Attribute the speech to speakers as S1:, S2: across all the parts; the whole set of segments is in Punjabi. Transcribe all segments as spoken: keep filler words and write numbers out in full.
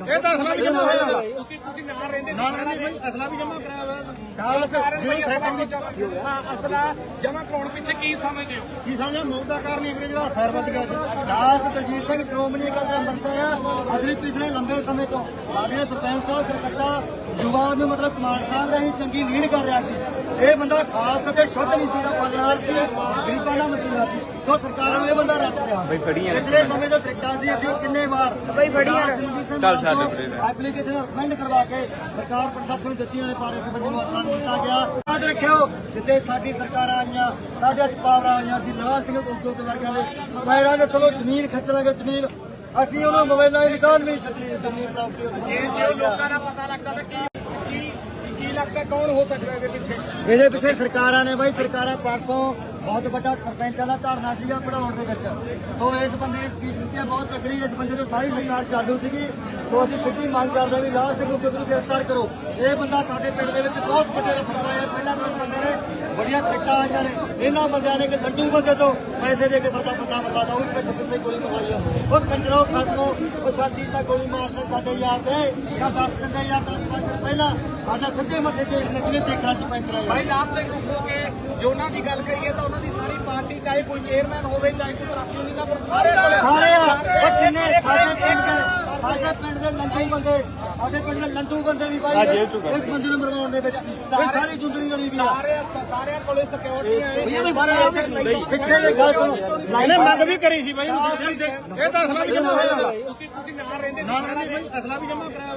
S1: ਇਹ ਤਾਂ ਅਸਲਾ ਵੀ ਜਮਾ ਹੋਇਆ ਤੁਸੀਂ ਤੁਸੀਂ ਨਾਲ ਰਹਿੰਦੇ ਨਾਲ ਰਹਿੰਦੇ ਬਈ ਅਸਲਾ ਵੀ ਜਮਾ ਕਰਾਇਆ ਹੋਇਆ ਦਾਸ ਅਸਲਾ ਜਮਾ ਕਰਾਉਣ ਪਿੱਛੇ ਕੀ ਸਮਝਦੇ ਹੋ ਕੀ ਸਮਝਿਆ ਮੌਤ ਦਾ ਕਾਰਨ ਹੀ ਜਿਹੜਾ ਫਾਇਰ ਵੱਜ ਗਿਆ
S2: ਦਾਸ ਦਲਜੀਤ ਸਿੰਘ ਸ਼੍ਰੋਮਣੀ ਅਕਾਲੀ ਦਲ ਅੰਮ੍ਰਿਤਸਰ ਆ। ਅਸੀਂ ਪਿਛਲੇ ਲੰਬੇ ਸਮੇਂ ਤੋਂ ਸਾਡੇ ਸਰਪੰਚ ਸਾਹਿਬ ਕਲਕੱਤਾ ਯੁਵਾ ਨੂੰ ਮਤਲਬ ਕਮਾਂਡ ਸਾਹਿਬ ਰਾਹੀਂ ਚੰਗੀ ਲੀਡ ਕਰ ਰਿਹਾ ਸੀ। ਇਹ ਬੰਦਾ ਖਾਸ ਅਤੇ ਸ਼ੁੱਧ ਨੀਤੀ ਦਾ ਪਾਲਣਹਾਰ ਸੀ, ਗਰੀਬਾਂ ਦਾ ਮਸੀਹਾ ਸੀ। ਸੋ ਸਰਕਾਰਾਂ ਨੂੰ ਇਹ ਬੰਦਾ ਰੱਖ ਰਿਹਾ ਪਿਛਲੇ ਸਮੇਂ ਤੋਂ ਤਰੀਕਾ ਸੀ। ਅਸੀਂ ਕਿੰਨੇ ਵਾਰ ਬਈ ਫੜੀਆਂ ਚੱਲ ਛੱਡ ਐਪਲੀਕੇਸ਼ਨ ਰਿਕਮੈਂਡ ਕਰਵਾ ਕੇ ਸਰਕਾਰ ਪ੍ਰਸ਼ਾਸਨ ਨੂੰ ਦਿੱਤੀਆਂ ਨੇ, ਪਰ ਇਸ ਬੰਦੇ ਨੂੰ ਅਸਰ ਨਹੀਂ ਕੀਤਾ ਗਿਆ। ਯਾਦ ਰੱਖਿਓ ਜਿੱਥੇ ਸਾਡੀ ਸਰਕਾਰਾਂ ਆਈਆਂ ਸਾਡੇ ਚ ਪਾਵਰਾਂ ਆਈਆਂ ਸੀ ਲਾਲ ਸਿੰਘ ਉਦਯੋਗ ਵਰਗਾਂ ਦੇ ਪੈਰਾਂ ਦੇ ਥੱਲੋਂ ਜ਼ਮੀਨ ਖਿੱਚ ਲਾਂਗੇ ਜ਼ਮੀਨ ਅਸੀਂ ਉਹਨਾਂ ਮੋਬਾਈਲਾਂ ਦੀ ਨਿਕਾਲ ਵੀ ਛੱਡੀ ਦੁਨੀਆ ਪ੍ਰਾਪਰਟੀ
S1: ਲੋਕਾਂ ਦਾ ਪਤਾ ਲੱਗਦਾ ਤਾਂ ਕੀ ਕੀ ਲੱਗਦਾ ਕੌਣ ਹੋ ਸਕਦਾ ਇਹਦੇ ਪਿੱਛੇ
S2: ਇਹਦੇ ਪਿੱਛੇ ਸਰਕਾਰਾਂ ਨੇ ਬਾਈ ਸਰਕਾਰਾਂ ਪਰਸੋਂ ਬਹੁਤ ਵੱਡਾ ਸਰਪੰਚਾਂ ਦਾ ਧਰਨਾ ਸੀਗਾ ਪੜਾਉਣ ਦੇ ਵਿੱਚ। ਸੋ ਇਸ ਬੰਦੇ ਨੇ ਸਪੀਚ ਦਿੱਤੀ ਹੈ ਬਹੁਤ ਤਕੜੀ। ਇਸ ਬੰਦੇ ਤੋਂ ਸਾਰੀ ਸਰਕਾਰ ਚਾਲੂ ਸੀਗੀ। ਸੋ ਅਸੀਂ ਸਿੱਧੀ ਮੰਗ ਕਰਦੇ ਵੀ ਲਾਲ ਸਿੰਘ ਉਦਯੋਗ ਨੂੰ ਗ੍ਰਿਫਤਾਰ ਕਰੋ। ਇਹ ਬੰਦਾ ਸਾਡੇ ਪਿੰਡ ਦੇ ਵਿੱਚ ਬਹੁਤ ਵੱਡੇ ਰਫੜ ਪਾਇਆ। ਪਹਿਲਾਂ ਤਾਂ ਇਸ ਬੰਦੇ ਨੇ ਬੜੀਆਂ ਟ੍ਰਿਕਾਂ ਆਈਆਂ ਨੇ। ਇਹਨਾਂ ਬੰਦਿਆਂ ਨੇ ਕਿ ਲੰਡੂ ਬੰਦੇ ਤੋਂ ਪੈਸੇ ਦੇ ਕੇ ਸਾਡਾ ਬੰਦਾ ਬਰਬਾਦ ਉਹ ਵੀ ਪਿੱਛੇ ਪਿੱਛੇ ਗੋਲੀ ਮਾਰੀ ਆ। ਉਹ ਕੰਜਰੋ ਖਸਮੋ ਉਹ ਸ਼ਾਦੀ ਦਾ ਗੋਲੀ ਮਾਰਦੇ ਸਾਡੇ ਯਾਰ ਦੇ ਜਾਂ ਦਸ ਦਿੰਦੇ ਜਾਂ ਦਸ ਪੰਜ ਦਿਨ ਪਹਿਲਾਂ ਸਾਡਾ ਸਿੱਧੇ ਮੱਥੇ ਤੇ ਨਚਲੇ ਦੇਖਣਾ ਚ ਪੈਂਤਰਾ
S1: ਭਾਈ ਲਾਭ ਸਿੰਘ ਹੋ ਕੇ ਜੋ ਉਹਨਾਂ ਦੀ ਗੱਲ ਕਰੀਏ ਤਾਂ ਉਹਨਾਂ ਦੀ ਸਾਰੀ ਪਾਰਟੀ ਚਾਹੇ ਕੋਈ ਚੇਅਰਮੈਨ ਹੋਵੇ ਚਾਹੇ ਕੋਈ ਟਰੱਕ ਯੂਨੀਅਨ ਦਾ
S2: ਸਾਰੇ ਆ ਉਹ ਜਿੰਨੇ ਸਾਡੇ ਪਿੰਡ ਦੇ ਸਾਡੇ ਪਿੰਡ ਦੇ ਲੰਡੂ ਬੰਦੇ ਸਾਡੇ ਪਿੰਡ ਦੇ ਲੰਡੂ ਬੰਦੇ ਵੀ ਬਾਈ ਇਸ ਬੰਦੇ ਨੂੰ ਮਰਵਾਉਣ ਦੇ ਵਿੱਚ ਸੀ। ਇਹ ਸਾਰੀ ਜੁੰਡਲੀ ਵਾਲੀ ਵੀ ਆ
S1: ਸਾਰੇ ਸਾਰਿਆਂ ਕੋਲੇ ਸਿਕਿਉਰਿਟੀ ਹੈ।
S2: ਪਿੱਛੇ ਜੇ ਗੱਲ ਸੁਣੋ
S1: ਇਹਨੇ ਮੰਗ ਵੀ ਕਰੀ ਸੀ ਬਾਈ ਇਹ ਤਾਂ ਅਸਲਾ ਵੀ ਜਮਾ ਹੋਇਆ ਤੁਸੀਂ ਨਾਲ ਰਹਿੰਦੇ ਨਾਲ ਰਹਿੰਦੇ ਬਈ ਅਸਲਾ ਵੀ ਜਮਾ ਕਰਾਇਆ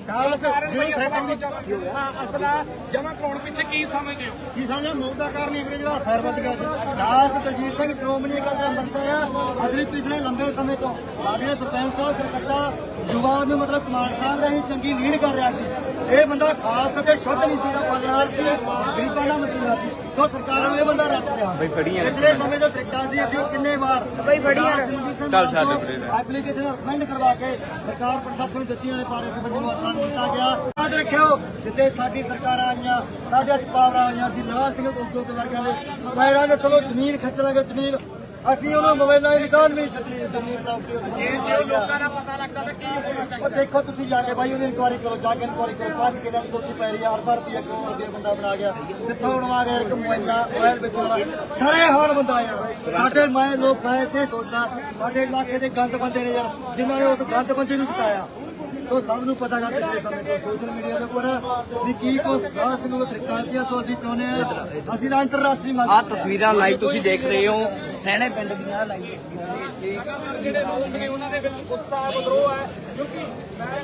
S1: ਹੋਇਆ ਅਸਲਾ ਜਮਾ ਕਰਾਉਣ ਪਿੱਛੇ ਕੀ ਸਮਝਦੇ ਹੋ ਕੀ ਸਮਝਿਆ ਮੌਤ ਦਾ ਕਾਰਨ ਹੀ ਜਿਹੜਾ ਫਾਇਰ ਵੱਜ ਗਿਆ
S2: ਦਾਸ ਦਲਜੀਤ ਸਿੰਘ ਸ਼੍ਰੋਮਣੀ ਅਕਾਲੀ ਦਲ ਅੰਮ੍ਰਿਤਸਰ ਆ। ਅਸੀਂ ਪਿਛਲੇ ਲੰਬੇ ਸਮੇਂ ਤੋਂ ਸਾਡੇ ਸਰਪੰਚ ਸਾਹਿਬ ਕਲਕੱਤਾ ਯੁਵਾ ਨੂੰ ਮਤਲਬ ਕਮਾਂਡ ਸਾਹਿਬ ਰਾਹੀਂ ਚੰਗੀ ਲੀਡ ਕਰ ਰਿਹਾ ਸੀ। ਇਹ ਬੰਦਾ ਖਾਸ ਅਤੇ ਸ਼ੁੱਧ ਨੀਤੀ ਦਾ ਪਾਲਣਹਾਰ ਸੀ, ਗਰੀਬਾਂ ਦਾ ਮਸੀਹਾ ਸੀ। ਸੋ ਸਰਕਾਰਾਂ ਨੂੰ ਇਹ ਬੰਦਾ ਰੱਖ ਰਿਹਾ ਪਿਛਲੇ ਸਮੇਂ ਤੋਂ ਤਰੀਕਾ ਸੀ। ਅਸੀਂ ਕਿੰਨੇ ਵਾਰ ਬਈ ਫੜੀਆਂ ਚੱਲ ਛੱਡ ਐਪਲੀਕੇਸ਼ਨ ਰਿਕਮੈਂਡ ਕਰਵਾ ਕੇ ਸਰਕਾਰ ਪ੍ਰਸ਼ਾਸਨ ਨੂੰ ਦਿੱਤੀਆਂ ਨੇ, ਪਰ ਇਸ ਬੰਦੇ ਨੂੰ ਅਸਰ ਨਹੀਂ ਕੀਤਾ ਗਿਆ। ਯਾਦ ਰੱਖਿਓ ਜਿੱਥੇ ਸਾਡੀ ਸਰਕਾਰਾਂ ਆਈਆਂ ਸਾਡੇ ਚ ਪਾਵਰਾਂ ਆਈਆਂ ਸੀ ਲਾਲ ਸਿੰਘ ਉਦਯੋਗ ਵਰਗਾਂ ਦੇ ਪੈਰਾਂ ਦੇ ਥੱਲੋਂ ਜ਼ਮੀਨ ਖਿੱਚ ਲਾਂਗੇ ਜ਼ਮੀਨ ਅਸੀਂ ਉਹਨਾਂ ਮੋਬਾਈਲਾਂ ਦੀ ਨਿਕਾਲ ਵੀ ਛੱਡੀ ਦੁਨੀਆ ਪ੍ਰਾਪਰਟੀ
S1: ਲੋਕਾਂ ਦਾ ਪਤਾ ਲੱਗਦਾ ਤਾਂ ਕੀ ਹੋਣਾ ਚਾਹੀਦਾ।
S2: ਉਹ ਦੇਖੋ ਤੁਸੀਂ ਜਾ ਕੇ ਬਾਈ ਉਹਦੀ ਇਨਕੁਆਰੀ ਕਰੋ, ਜਾ ਕੇ ਇਨਕੁਆਰੀ ਕਰੋ। ਪੰਜ ਕਿੱਲਿਆਂ ਦੀ ਕੋਠੀ ਪੈ ਰਹੀ ਆ, ਅਰਬਾਂ ਰੁਪਈਆ ਕਰੋੜ ਰੁਪਈਆ ਬੰਦਾ ਬਣਾ ਗਿਆ। ਕਿੱਥੋਂ ਬਣਵਾ ਗਿਆ ਇੱਕ ਮੋਬਾਈਲਾਂ ਮੋਬਾਈਲ ਵੇਚਣ ਵਾਲਾ ਸੜੇ ਹਾਲ ਬੰਦਾ ਯਾਰ। ਸਾਡੇ ਮੈਂ ਲੋਕ ਐਸੇ ਸੋਚਦਾ ਸਾਡੇ ਇਲਾਕੇ ਦੇ ਗੰਦ ਬੰਦੇ ਨੇ ਯਾਰ ਜਿਨ੍ਹਾਂ ਨੇ ਉਸ ਗੰਦ ਬੰਦੇ ਨੂੰ ਜਿਤਾਇਆ। ਸੋ ਸਭ ਨੂੰ ਪਤਾ ਗਾ ਪਿਛਲੇ ਸਮੇਂ ਤੋਂ ਸੋਸ਼ਲ ਮੀਡੀਆ ਦੇ ਉੱਪਰ ਵੀ ਕੀ ਕੁਛ ਖਾਸ ਨੂੰ ਤਰੀਕਾਂ ਦੀਆਂ। ਸੋ ਅਸੀਂ ਚਾਹੁੰਦੇ ਹਾਂ ਅਸੀਂ ਤਾਂ ਅੰਤਰਰਾਸ਼ਟਰੀ ਮੰਗ
S3: ਆ ਤਸਵੀਰਾਂ ਲਾਈਵ ਤੁਸੀਂ ਦੇਖ ਰਹੇ ਹੋ ਸੈਣੇ ਪਿੰਡ ਦੀਆਂ ਲਾਈਵ
S1: ਜਿਹੜੇ ਲੋਕ ਨੇ ਉਹਨਾਂ ਦੇ ਵਿੱਚ ਗੁੱਸਾ ਵਿਦਰੋਹ ਹੈ ਕਿਉਂਕਿ ਮੈਂ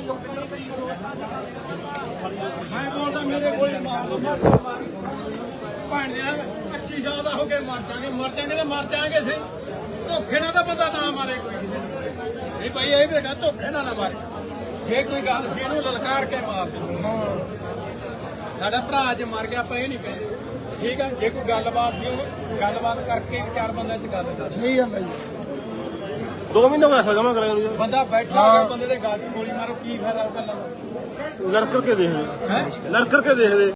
S1: ਮੈਂ ਬੋਲਦਾ ਮੇਰੇ ਕੋਲ ਮਾਰ ਭਾਣ ਦੇ ਅੱਛੀ ਜ਼ਿਆਦਾ ਹੋ ਕੇ ਮਰ ਜਾਗੇ ਮਰ ਜਾਗੇ ਤੇ ਮਰ ਜਾਗੇ ਸਹੀ। ਧੋਖੇ ਨਾਲ ਤਾਂ ਬੰਦਾ ਨਾ ਮਾਰੇ ਕੋਈ ਨਹੀਂ ਭਾਈ। ਇਹ ਵੀ ਧੋਖੇ ਨਾਲ ਨਾ ਮਾਰੇ। ਜੇ ਕੋਈ ਗੱਲ ਸੀ ਇਹਨੂੰ ਲਲਕਾਰ ਕੇ ਮਾਰ ਦੇ। ਸਾਡਾ ਭਰਾ ਅੱਜ ਮਰ ਗਿਆ ਆਪਾਂ ਇਹ ਨਹੀਂ ਕਹਿੰਦੇ ਠੀਕ ਆ। ਜੇ ਕੋਈ ਗੱਲਬਾਤ ਸੀ ਉਹਨੂੰ ਗੱਲਬਾਤ ਕਰਕੇ ਚਾਰ ਬੰਦਿਆਂ 'ਚ ਗੱਲ ਕਰ
S2: ਸਹੀ ਆ ਬਾਈ।
S4: ਦੋ ਮਹੀਨੇ ਪੈਸਾ ਜਮਾ ਕਰਾਇਆ
S1: ਬੰਦਾ ਬੈਠਾ ਹੋਇਆ ਬੰਦੇ ਦੇ ਗੱਲ 'ਚ ਗੋਲੀ ਮਾਰੋ ਕੀ ਫਾਇਦਾ ਉਹ ਗੱਲਾਂ ਦਾ।
S4: ਲੜ ਕਰਕੇ ਦੇਖਦੇ ਲੜ ਕਰਕੇ ਦੇਖਦੇ